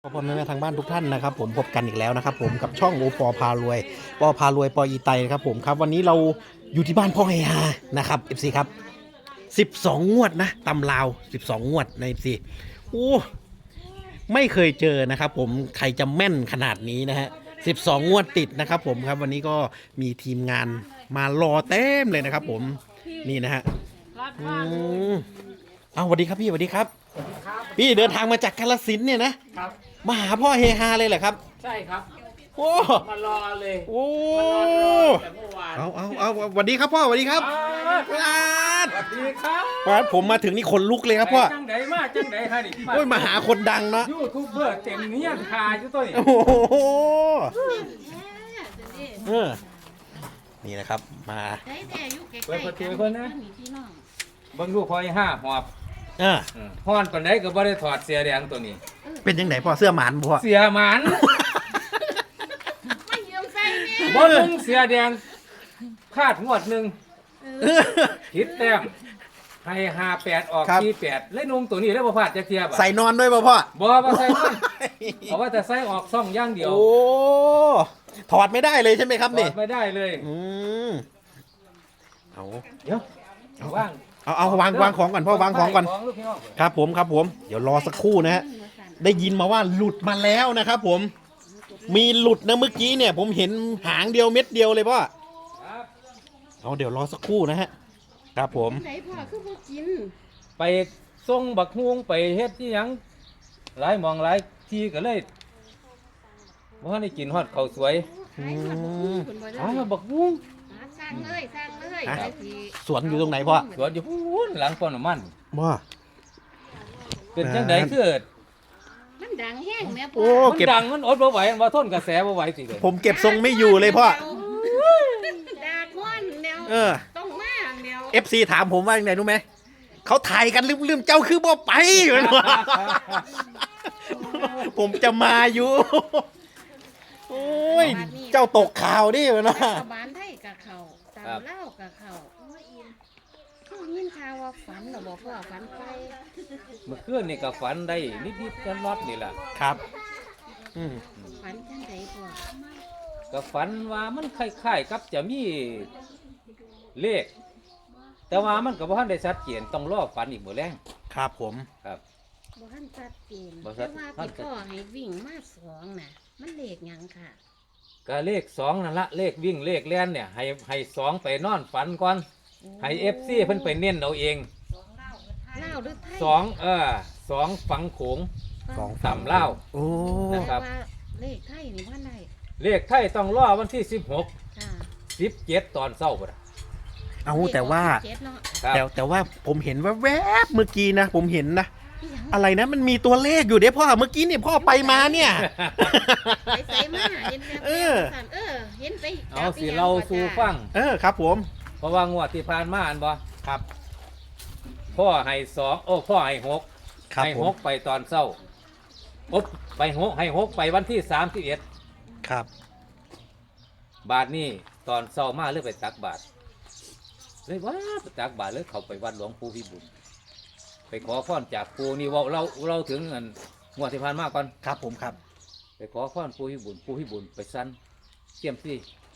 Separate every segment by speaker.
Speaker 1: พ่อแม่ทางบ้านทุกท่านนะครับผมพบกันอีกแล้วนะครับผมกับช่องโอปอพารวยปอพารวยปออีไตนะครับผมครับวันนี้เราอยู่ที่บ้านพ่อเฮฮานะครับ FC ครับ12งวดนะตำลาว12งวดใน FC โอ้ไม่เคยเจอนะครับผมใครจะแม่นขนาดนี้นะฮะ12งวดติดนะครับผมครับวันนี้ก็มีทีมงานมารอเต็มเลยนะครับผมนี่นะฮะเอาสวัสดีครับพี่สวัสดีครับพี่เดินทางมาจากกาฬสินธุ์เนี่ยนะครับมาหาพ่อเฮฮาเลยเหรอครับ
Speaker 2: ใช่ครับ
Speaker 1: โอ้
Speaker 2: มารอเลย
Speaker 1: โอ้
Speaker 2: มานอนรอแต่เมื่อวาน
Speaker 1: เอาสวัสดีครับพ่อสวัสดีครับ
Speaker 2: สวัสดีครับ
Speaker 1: ผมมาถึงนี่ขนลุกเลยครับพ่อ
Speaker 2: จังไดมาจังไดฮะนี่
Speaker 1: โอ้ยมาหาคนดังเนาะ
Speaker 2: ยูทูบเบอร์เต็มเนี้ยคาอยู่ตัวนี้
Speaker 1: โอ้โหนี่นะครับมา
Speaker 2: เปิดประตูคนนะเบิ่งลูกพอยห้าหอบฮ้อนปานใดก็บ่ได้ถอดเสื้อแดงตัวนี้
Speaker 1: เป็นยังไงพ่อเสื้อหมานพ่อ
Speaker 2: เสื้อหมานบ่นุ่งเสื้อแดงคาดงวดหนึ่งผิดแต้มให้58ออก48เลยนุ่งตัวนี้แล้วบ่พลาดจักเที่ยบ่
Speaker 1: ใส่นอนด้วยพ่อ
Speaker 2: บ่ใส่นอนเอาว่าแต่ใส่ออกซ่องอย่างเดียว
Speaker 1: โอ้ถอดไม่ได้เลยใช่ไหมครับนี่
Speaker 2: ถอดไม่ได้เลย
Speaker 1: เอา
Speaker 2: เดี๋ยวว่าง
Speaker 1: เอาวางของก่อนพ่อวางของก่อนครับผมเดี๋ยวรอสักครู่นะฮะได้ยินมาว่าหลุดมาแล้วนะครับผมมีหลุดนะเมื่อกี้เนี่ยผมเห็นหางเดียวเม็ดเดียวเลยพ่อเอาเดี๋ยวรอสักครู่นะฮะครับผม
Speaker 3: ไหนพ่อคือบ่กิน
Speaker 2: ไปส่งบักฮวงไปเฮ็ดที่หยังหลายหม่องหลายที่ก็เลยบ่ทันได้กินฮอดข้าวสวยบักฮวง
Speaker 3: สร้างเลย
Speaker 1: สวนอยู่ตรงไหนพ่อ
Speaker 2: สวนอยู่พูนหลังป้อมน้ำมัน
Speaker 1: ว่า
Speaker 2: เป็นจังได๋คือ
Speaker 3: มันดังแห้งแม่พ่
Speaker 2: อมันดังมันอดบ่ไหวว่าทนกระแสบ่ไหวสิ
Speaker 1: ผมเก็บทรงไม่อยู่เลยพ่อ
Speaker 3: ดาก้อนเดียวต้องมาเดียว
Speaker 1: FC ถามผมว่าอย่างไรรู้ไหมเขาถ่ายกันลืมเจ้าคือบ่ไปอยู่นะผมจะมาอยู่โอ้ยเจ้าตกข่าวดิวะนะ
Speaker 3: บ้านไทยกับเขาตามเล่ากับเขาเขายินข่าวว่าฝันหรอบอกว่าฝันไป
Speaker 2: เมื่อคืนนี่ก็ฝันได้นิดๆกันรอดนี่แหละ
Speaker 1: ครับ
Speaker 3: ฝันจังไดพ่อ
Speaker 2: ก็ฝันว่ามันคล้ายๆกับจะมีเลขแต่ว่ามันก็บ่ทันได้ชัดเจนต้องรอฝันอีกมื้อแลง
Speaker 1: ครับผม
Speaker 2: ครับ
Speaker 3: บ่ทันชัดเจนแต่ว่าพี่พ่อให้วิ่งมา2น่ะมันเลขหยังค่ะ
Speaker 2: ก็เลข2นั่นละเลขวิ่งเลขแล่นเนี่ยให้2ไปนอนฝันก่อนให้ FC เพิ่นไปเน้นเอาเอง
Speaker 3: ลาวหรือไท
Speaker 2: ย2ฝังโขง2ต่ำลาว
Speaker 1: โอ้
Speaker 2: นะครับ
Speaker 3: เลขไทยนี่ว่าได้
Speaker 2: เลขไทยต้องรอวันที่16 17ตอนเช้าบ่ล่ะ
Speaker 1: เอาแต่ว่าผมเห็นว่าแวบเมื่อกี้นะผมเห็นนะอะไรนะมันมีตัวเลขอยู่เด้พ่อเมื่อกี้เนี่ยพ่อไปมาเนี่ย
Speaker 3: ไปใส่มาเห็นเห็นไป
Speaker 2: เอาสิเราสู่ฟัง
Speaker 1: ครับผม
Speaker 2: เพราะว่างวดที่ผ่านมาอันบ่
Speaker 1: ครับ
Speaker 2: พ่อให้2พ่อให้6ให้6ไปตอนเช้าไป6ให้6ไปวันที่31
Speaker 1: ครับ
Speaker 2: บาทนี้ตอนเช้ามาเลยไปตักบาทเลยว่าไปตักบาทเลยเข้าไปวัดหลวงปู่พิบูลไปขอพรจากปู่นี่ว่าเราถึงงวดที่ผ่านมาก่อน
Speaker 1: ครับผมครับ
Speaker 2: ไปขอพรปู่พิบูลไปสั้นเสี่ยมซี่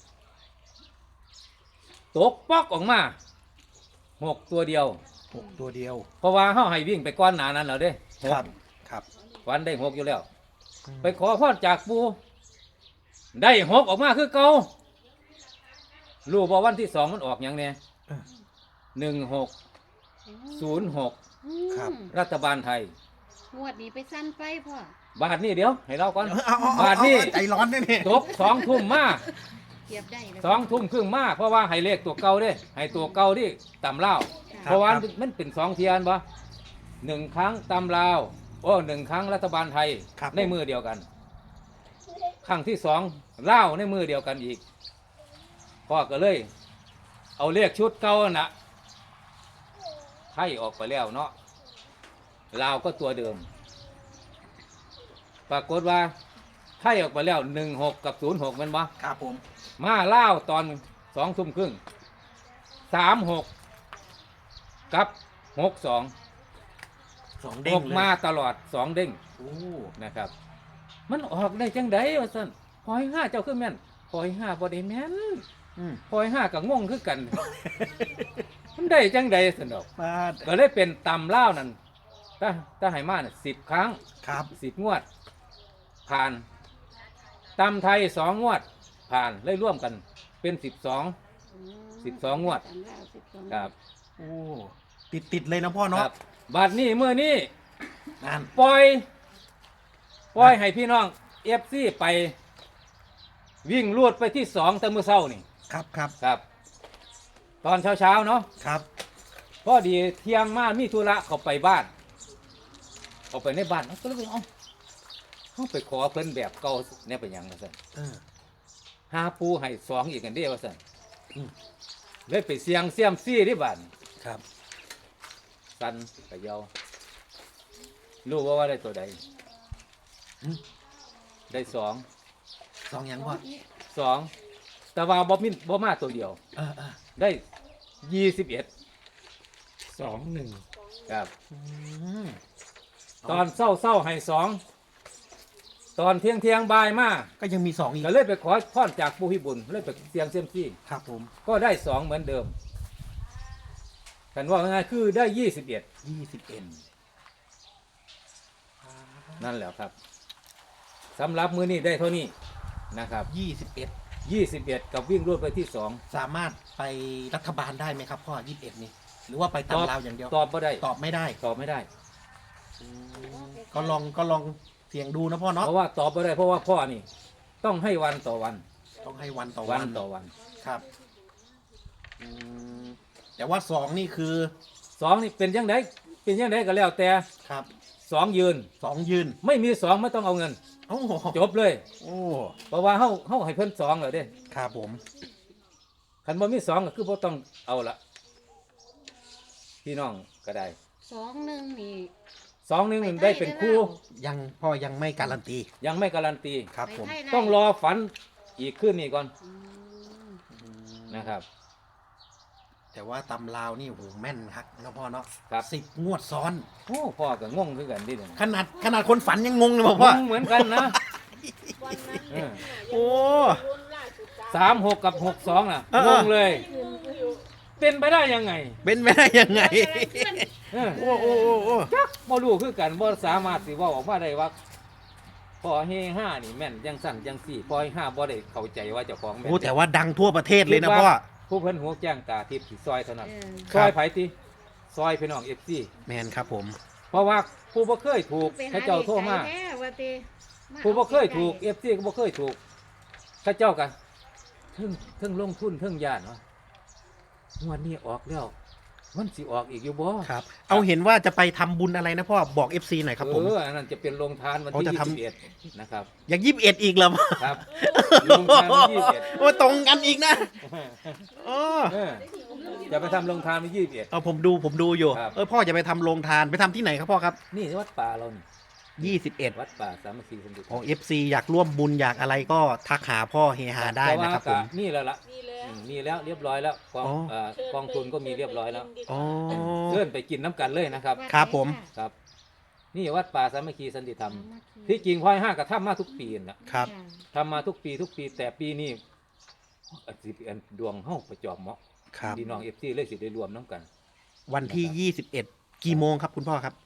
Speaker 2: ตกป๊อกออกมา6ตัวเดียวเพราะว่าเฮาให้วิ่งไปก้อนหนานั้นแล้วเด้
Speaker 1: ครับ
Speaker 2: วันได้6อยู่แล้วไปขอพรจากปู่ได้6ออกมาคือเก่ารู้บ่วันที่2มันออกหยังเนี่ย1606
Speaker 1: ครับ
Speaker 2: รัฐบาลไทย
Speaker 3: งวดนี้ไปสั้นไปพ่อบ
Speaker 2: าทนี้เดี๋ยวให้เราก่อน
Speaker 1: บาทนี้ใจร้อนนี่
Speaker 2: จบ2 ทุ่มมา
Speaker 3: เก็บได้
Speaker 2: 2 ทุ่มครึ่งมาเพราะว่าให้เลขตัวเก่าเด้ให้ตัวเก่าที่ตำลาวเพราะว่ามันเป็น2เทียนบ่1ครั้งตำลาว1ครั้งรัฐบาลไทยในมือเดียวกันครั้งที่2ลาวในมือเดียวกันอีกพ่อก็เลยเอาเลขชุดเก่าน่ะไทยออกไปแล้วเนาะลาวก็ตัวเดิมปรากฏว่าไทยออกไปแล้ว16กับ06มันบ่
Speaker 1: ครับผม
Speaker 2: มาลาวตอน2 ทุ่มครึ่ง36กับ62
Speaker 1: เด้ง
Speaker 2: มาตลอด2 เด้งนะครับมันออกได้จังไดว่าซั่นพอย5เจ้าคือแม่นพอย5บ่ได้แม่น
Speaker 1: อืม
Speaker 2: พอย5ก็งงคือกัน มันได้จังไดซั่นดอก
Speaker 1: มา
Speaker 2: ก็เลยเป็นตำลาวนั่นถ้าให้มาน่ะ10 ครั้ง
Speaker 1: ครับ
Speaker 2: 10 งวด ผ่านตำไทย2 งวด ผ่านเลยร่วมกันเป็น12 งวด ครับ
Speaker 1: โอ้ติดเลยนะพ่อ
Speaker 2: ค
Speaker 1: เนาะ
Speaker 2: รับบัดนี้มื้อนี้
Speaker 1: นั่น
Speaker 2: ปล่อยให้พี่น้อง FC ไปวิ่งลวดไปที่2แต่มื้อเช้านี่
Speaker 1: ครับครับ
Speaker 2: ครับ ตอนเช้าเนาะ
Speaker 1: ครับ
Speaker 2: พอดีเที่ยงมามีธุระเขาไปบ้านเขาไปในบ้านเขาก็เลยว่าเขาไปขอเพิ่นแบบเก่าเนี่ยเป็นหยังว่าซั่น
Speaker 1: เออ
Speaker 2: หาปูให้2อีกกันเด้ว่าซั่นเลยไปเสียงเสียมซี่ที่บ้าน
Speaker 1: ครับ
Speaker 2: สันกะเยารู้ว่าได้ตัวใด
Speaker 1: อืม
Speaker 2: ได้2
Speaker 1: สองอย่างพ่อ
Speaker 2: 2แต่ว่าบ่มาตัวเดียว
Speaker 1: เออ
Speaker 2: ได้21
Speaker 1: 2 1
Speaker 2: ครับ
Speaker 1: อืม
Speaker 2: ตอนเศร้าให้2ตอนเที่ยงบ่ายมา
Speaker 1: ก็ยังมี2อีก
Speaker 2: ก็เลยไปขอพรจากปู่พิบูลเลยไปเสียงเซียมซี่
Speaker 1: ครับผม
Speaker 2: ก็ได้2เหมือนเดิมกันว่าง่ายๆคือได้21
Speaker 1: 21
Speaker 2: นั่นแหละครับสำหรับมือนี้ได้เท่านี้นะครับ
Speaker 1: 21
Speaker 2: 21กับวิ่งรวดไปที่2
Speaker 1: สามารถไปรัฐบาลได้ไหมครับพ่อ21นี่หรือว่าไปตามลาวอย่างเดียว
Speaker 2: ตอบไม่ได้
Speaker 1: ตอบไม่ได้
Speaker 2: ตอบไม่ได้
Speaker 1: ก็ลองเสี่ยงดูนะพ่อเนาะ
Speaker 2: เพราะว่าตอบไม่ได้เพราะว่าพ่อนี่ต้องให้วันต่อวัน
Speaker 1: ต้องให้วันต่อ
Speaker 2: วั
Speaker 1: วัน
Speaker 2: นต่อวัน
Speaker 1: ครับอืมแต่ว่า2นี่คือ
Speaker 2: 2นี่เป็นยังไงก็แล้วแต่
Speaker 1: ครับ
Speaker 2: 2ยืน
Speaker 1: 2ยืน
Speaker 2: ไม่มี2ไม่ต้องเอาเงิน
Speaker 1: โอ้โห
Speaker 2: จบเลย
Speaker 1: โอ้
Speaker 2: เพราะว่าเฮาให้เพิ่น2เลยเด้
Speaker 1: ครับผม
Speaker 2: คันบ่มี2ก็คือบ่ต้องเอาละพี่น้องก็ได้
Speaker 3: 21นี่
Speaker 2: 2-1ได้เป็นคู่
Speaker 1: ยังพ่อยังไม่การันตี
Speaker 2: ยังไม่การันตี
Speaker 1: ครับผม
Speaker 3: ไปไทยได้
Speaker 2: ต้องรอฝันอีกขึ้นนี่ก่อน
Speaker 3: อืม
Speaker 2: นะครับ
Speaker 1: แต่ว่าตำลาวนี่โหแม่นครับนะพ่อเนาะ
Speaker 2: ครับ
Speaker 1: 10 งวดซ้อน
Speaker 2: โอ้พ่อก็งงคือกันดิเนี่ย
Speaker 1: ขนาดคนฝันยังงงเลยบอกพ่อ
Speaker 2: งงเหมือนกันนะ เออ
Speaker 1: โอ้
Speaker 2: 36กับ62น่ะ
Speaker 1: เออ
Speaker 2: งงเลย เป็นไปได้ยังไง
Speaker 1: เป็นไปได้ยังไง
Speaker 2: เออ
Speaker 1: โอ้โอ้โอ้โอ้
Speaker 2: บ่รู้คือกันบ่สามารถสิเว้าออกมาได้ว่าพอเฮ5นี่แม่นจังสั่นจังสี่พอเฮ5บ่ได้เข้าใจว่าเจ้าของแม่น
Speaker 1: โอ้แต่ว่าดังทั่วประเทศเลยนะพ่อ
Speaker 2: ผู้เพิ่นหัวแจ้งตาทิพย์สิซอยเท่านั้น
Speaker 3: เออ
Speaker 1: ค
Speaker 2: ซ
Speaker 1: รับ
Speaker 2: อยไผติซอยพี่น้อง FC
Speaker 1: แมนครับผม
Speaker 2: เพราะว่าผู้บ่เคยถูก
Speaker 3: ไปห
Speaker 2: เขาเจ้าโทรมา
Speaker 3: เด็กไก่แท้ว่าติมา
Speaker 2: ผู้บ่เคย
Speaker 3: อา
Speaker 2: ถูก
Speaker 3: ไก่
Speaker 2: FC ก็บ่เคยถูกเขาเจ้าก็เทิงลงทุนเทิงย่านเนาะงวดนี้ออกแล้วมันสิออกอีกอยู่บ่
Speaker 1: ครับ เอาเห็นว่าจะไปทำบุญอะไรนะพ่อบอก FC หน่อยครับผม
Speaker 2: อันนั้นจะเป็นโรงทานวัน
Speaker 1: เขา
Speaker 2: ที่
Speaker 1: จะทำ
Speaker 2: 21นะครับ
Speaker 1: อย่าง21อีกเหรอพ่อ
Speaker 2: ครับโรงทานวันที่
Speaker 1: โอ้ตรงกันอีกนะ
Speaker 2: 21
Speaker 1: โอ้
Speaker 2: เออจะไปทำโรงทานวันที่21
Speaker 1: เอาผมดูอยู่
Speaker 2: ครับ
Speaker 1: พ่อจะไปทำโรงทานไปทำที่ไหนครับพ่อครับ
Speaker 2: นี่วัดป่าเรานี่
Speaker 1: 21
Speaker 2: วัดป่าสามัคคีสมดุล
Speaker 1: ของ FC อยากร่วมบุญอยากอะไรก็ทักหาพ่อเฮฮาได้นะครับผม
Speaker 2: นี่แล้วล่ะมีแล้วเรียบร้อยแล้วกอง
Speaker 1: อ๋อ
Speaker 2: กองทุนก็มีเรียบร้อยแล้ว
Speaker 1: อ๋อ
Speaker 2: เชิญไปกินน้ำกันเลยนะครับ
Speaker 1: ครับผม
Speaker 2: ครับ นี่วัดป่าสามัคคีสันติธรรม
Speaker 3: สามัคคี
Speaker 2: ที่จริงพ่อย5ก็ทำมาทุกปีนะครับ
Speaker 3: จ้ะ
Speaker 2: ทำมาทุกปีแต่ปีนี้สิเป็นดวงเฮาประจอบเหมาะ
Speaker 1: ครับ
Speaker 2: พี่น้อง FC เลยสิได้รวมน้ำกัน
Speaker 1: วันที่ 21 กี่โมงครับคุณพ่อครับ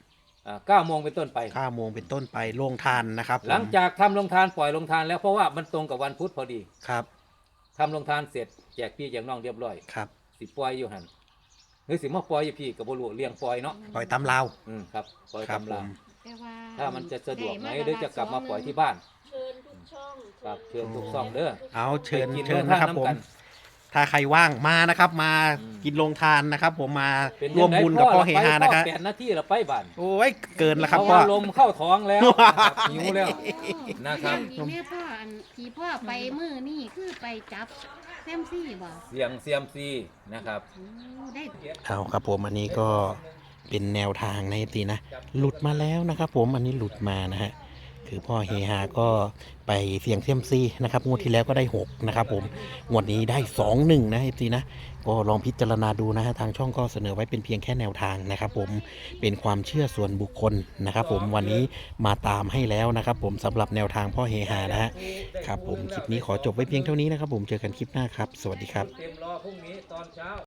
Speaker 2: 9 โมงเป็นต้นไป
Speaker 1: 9 โมงเป็นต้นไปโรงทานนะครับผม
Speaker 2: หลังจากทำโรงทานปล่อยโรงทานแล้วเพราะว่ามันตรงกับวันพุธพอดี
Speaker 1: ครับ
Speaker 2: ทำโรงทานเสร็จแจกพี่แจกน้องเรียบร้อย
Speaker 1: ครับ
Speaker 2: สิปล่อยอยู่หันหรือสิมาปล่อยอยู่พี่กับบรูเลี้ยงปล่อยเนาะ
Speaker 1: ปล่อยตามลาว
Speaker 2: ครับปล่อย
Speaker 1: ครับ
Speaker 2: ตำรา
Speaker 1: ผม
Speaker 3: แต่ว่า
Speaker 2: ถ้ามันจะสะดวกไหม
Speaker 3: ด้
Speaker 2: หรือจะกลับมาปล่อยที่บ้าน
Speaker 4: เชิญทุกช่อง
Speaker 2: ครับเชิญทุกซ่องเด้อ
Speaker 1: เอาเชิญ
Speaker 2: ไปกิน
Speaker 1: เชิญ
Speaker 2: โรงทา
Speaker 1: นะครับผม
Speaker 2: ำกัน
Speaker 1: ถ้าใครว่างมานะครับมา
Speaker 2: อืม
Speaker 1: กินโรงทานนะครับ ผมมา
Speaker 2: เป็น
Speaker 1: ร่วมบุญกับพ่อเฮฮานะครับ
Speaker 2: 8 นาทีเราไปบ้าน
Speaker 1: โอ้ยเกินแล้ว
Speaker 2: เพ
Speaker 1: ครับ
Speaker 2: ราะ
Speaker 1: พ่อ
Speaker 2: ว่าลมเข้าท้องแล้วนะครับหิวแล้ว นะครับ
Speaker 3: อีแม่พ่ออันที่พ่อไปมือนี่คือไปจับแซมซี่บ่
Speaker 2: เสียงเซียมซีนะครับ
Speaker 3: โอ้ได้
Speaker 1: เอาครับผมอันนี้ก็เป็นแนวทางในทีนะ หลุดมาแล้วนะครับ ผมอันนี้หลุดมานะฮะคือพ่อเฮฮาก็ไปเสี่ยงเซียมซีนะครับงวดที่แล้วก็ได้6นะครับผมงวดนี้ได้21นะทีนะก็ลองพิจารณาดูนะฮะทางช่องก็เสนอไว้เป็นเพียงแค่แนวทางนะครับผมเป็นความเชื่อส่วนบุคคลนะครับผมวันนี้มาตามให้แล้วนะครับผมสำหรับแนวทางพ่อเฮฮานะฮะครับผมคลิปนี้ขอจบไว้เพียงเท่านี้นะครับผมเจอกันคลิปหน้าครับสวัสดีครับ
Speaker 2: เต็มรอพรุ่งนี้ตอนเช้า